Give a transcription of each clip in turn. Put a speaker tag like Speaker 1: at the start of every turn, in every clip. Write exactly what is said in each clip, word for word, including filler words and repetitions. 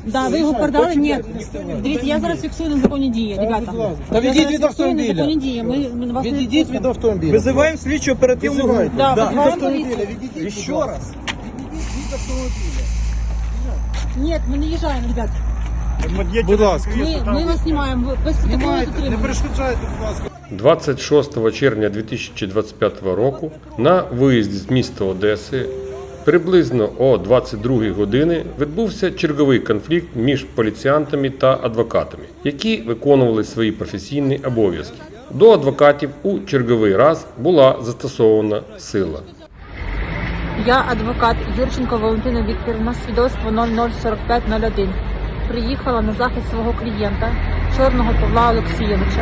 Speaker 1: Да, ви його передали? Ні. Дивіться, я зараз фіксую незаконні дії, ребята.
Speaker 2: Та відійдіть від автомобіля.
Speaker 1: Незаконні дії, ми, ми вас не
Speaker 2: Відійдіть від
Speaker 1: відпустимо.
Speaker 2: автомобіля.
Speaker 3: Визиваємо слідчу оперативну групу.
Speaker 1: Да,
Speaker 3: Да.
Speaker 1: визиваємо поліцію.
Speaker 2: Відійдіть,
Speaker 3: Ще
Speaker 2: будь ласка.
Speaker 3: раз.
Speaker 2: Відійдіть від автомобіля.
Speaker 1: Ні, ми не їжджаємо, ребят.
Speaker 2: Будь ласка.
Speaker 1: Ми, ми вас знімаємо, без протоколу
Speaker 2: Знімайте, не
Speaker 1: затримання.
Speaker 2: перешкоджайте, будь ласка.
Speaker 4: двадцять шостого червня дві тисячі двадцять п'ятого року на виїзді з міста Одеси приблизно о двадцять другій годині відбувся черговий конфлікт між поліціянтами та адвокатами, які виконували свої професійні обов'язки. До адвокатів у черговий раз була застосована сила.
Speaker 1: Я адвокат Юрченко Валентина Вікторівна, свідоцтво нуль нуль сорок п'ять нуль один. Приїхала на захист свого клієнта, Чорного Павла Олексійовича,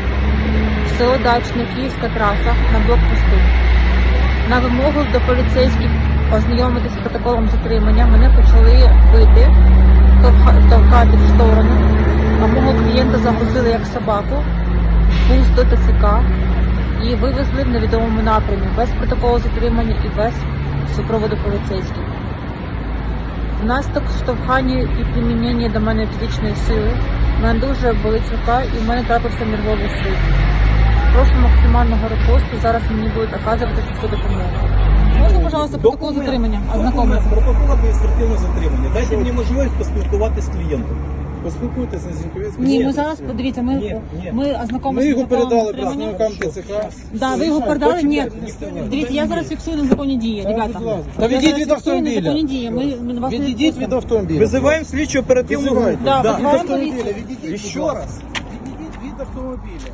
Speaker 1: в село Дачне, Київська траса, на блокпосту. На вимогу до поліцейських ознайомитись з протоколом затримання мене почали бити, товха- товкати в сторону, а мого клієнта загрузили як собаку, пуст до Т Ц К і вивезли в невідомому напрямі, без протоколу затримання і без супроводу поліцейських. Внаслідок штовхання і примінення до мене фізичної сили в мене дуже болить рука і в мене трапився нервовий слив. Прошу максимального репосту, зараз мені будуть оказувати всю допомогу. Можна, пожалуйста, протокол
Speaker 3: Документ.
Speaker 1: затримання,
Speaker 3: Документ.
Speaker 1: ознакомитися?
Speaker 3: Протокол адміністративного затримання. Дайте мені можливість поспілкуватися з клієнтом.
Speaker 2: Поспілкуйтеся з Зінковецьким.
Speaker 1: Ні,
Speaker 3: Ні,
Speaker 1: ми зараз, подивіться, ми,
Speaker 3: ні, ні.
Speaker 1: ми
Speaker 2: Ми
Speaker 1: ознакомимося
Speaker 2: його
Speaker 1: з протоколом
Speaker 2: передали
Speaker 1: затримання.
Speaker 2: представникам Т Ц К.
Speaker 1: Да, ви його передали? Ні. Дивіться, я зараз фіксую незаконні дії, ребята.
Speaker 2: Будь ласка. Та
Speaker 1: Я
Speaker 2: відійдіть
Speaker 1: зараз
Speaker 2: від
Speaker 1: фіксую
Speaker 2: автомобіля.
Speaker 1: незаконні дії, ми, ми вас не
Speaker 2: Відійдіть від
Speaker 1: відпустимо.
Speaker 2: автомобіля.
Speaker 3: Визиваємо слідчу оперативну групу.
Speaker 2: Визивайте.
Speaker 1: Да,
Speaker 3: Да.
Speaker 2: Від
Speaker 1: визиваємо
Speaker 2: автомобіля,
Speaker 1: поліцію.
Speaker 2: відійдіть, будь
Speaker 3: Ще
Speaker 2: ласка.
Speaker 3: раз.
Speaker 2: Відійдіть від автомобіля.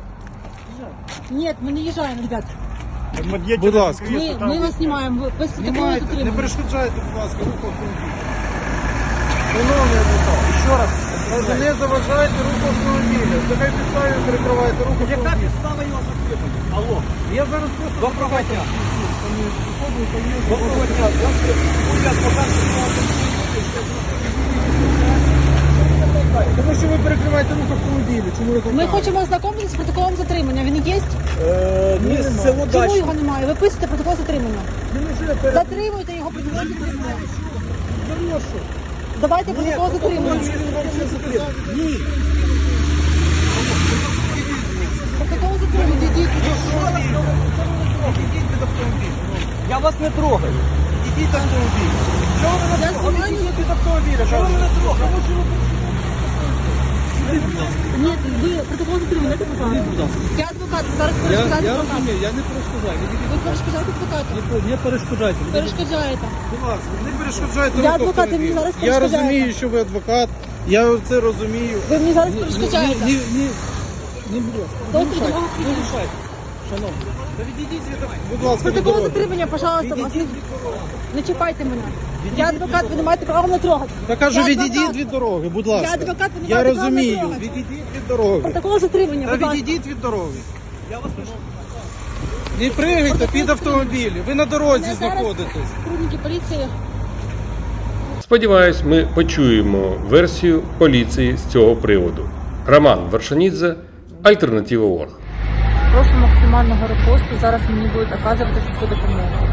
Speaker 1: Ні, ми не їжджаємо, ребята.
Speaker 2: Будь ласка.
Speaker 1: Ми, ми вас знімаємо, без протоколу
Speaker 2: Знімайте, не
Speaker 1: затримання.
Speaker 2: перешкоджайте, будь ласка, руху автомобіля. Шановний адвокат,
Speaker 3: Ще раз.
Speaker 2: каже, не заважайте руху автомобіля. Нехай підставі перекриваєте руху
Speaker 3: Яка
Speaker 2: автомобіля.
Speaker 3: підстава його затримання? Алло.
Speaker 2: Я зараз просто...
Speaker 3: Доброго дня.
Speaker 2: Самі з особою поїду.
Speaker 3: Доброго дня. Я адвокат.
Speaker 2: Тому що ви перекриваєте рух автомобіля. Чому ви так?
Speaker 1: Ми хочемо ознакомитися з протоколом затримання. Він є?
Speaker 3: Е, Місце село
Speaker 1: Чому
Speaker 3: Дачне.
Speaker 1: його немає? Ви пишете протокол затримання.
Speaker 2: Неможливо перед...
Speaker 1: Затримуйте його протокол затримання.
Speaker 2: Прошу.
Speaker 1: Давайте протокол затримання.
Speaker 2: Ні.
Speaker 1: Протокол затримання.
Speaker 2: Відійдіть від автомобіля.
Speaker 3: Я вас не трогаю.
Speaker 2: Ідіть від автомобіля. Чого ви мене
Speaker 1: Я
Speaker 2: трогаєте?
Speaker 1: знімаю.
Speaker 2: Відійдіть від автомобіля. Чого ви мене трогаєте?
Speaker 1: Ні, ви протокол затримання. Дайте, будь ласка. Я адвокат, зараз
Speaker 2: Я,
Speaker 1: перешкоджаєте
Speaker 2: я
Speaker 1: адвокату.
Speaker 2: розумію, я не перешкоджаю. Відійдіть.
Speaker 1: Ви перешкоджаєте адвокату.
Speaker 3: Не перешкоджайте.
Speaker 1: Перешкоджаєте.
Speaker 2: Будь ласка, не перешкоджайте
Speaker 1: Я
Speaker 2: рух
Speaker 1: адвокат, ви мені
Speaker 2: автомобіля.
Speaker 1: зараз
Speaker 2: Я
Speaker 1: перешкоджаєте.
Speaker 2: розумію, що ви адвокат. Я це розумію.
Speaker 1: Ви мені зараз
Speaker 2: Ні,
Speaker 1: перешкоджаєте.
Speaker 2: ні, ні, ні, будь ласка.
Speaker 1: Доктор, допомога
Speaker 2: Не мішайте. Шановні. Та відійдіть від Будь ласка, від
Speaker 1: Протокол
Speaker 2: дороги.
Speaker 1: затримання, пожалуйста, вас не,
Speaker 2: Відійдіть від дороги.
Speaker 1: не чіпайте мене. Я адвокат, ви не маєте права мене трогати.
Speaker 2: Та кажу,
Speaker 1: Я
Speaker 2: відійдіть
Speaker 1: адвокат.
Speaker 2: від дороги, будь ласка.
Speaker 1: Я адвокат, ви не
Speaker 2: Я
Speaker 1: маєте права мене
Speaker 2: розумію.
Speaker 1: трогати.
Speaker 2: Відійдіть від дороги.
Speaker 1: Протокол затримання,
Speaker 2: Та
Speaker 1: будь ласка.
Speaker 2: відійдіть від дороги.
Speaker 3: Я вас прошу.
Speaker 2: Не пригайте під автомобілі. Ви на дорозі
Speaker 1: Мене зараз
Speaker 2: знаходитесь.
Speaker 1: Сотрудники поліції.
Speaker 4: Сподіваюсь, ми почуємо версію поліції з цього приводу. Роман Вершанідзе, Альтернатива точка орг.
Speaker 1: Прошу максимального репосту, зараз мені будуть оказувати всю допомогу.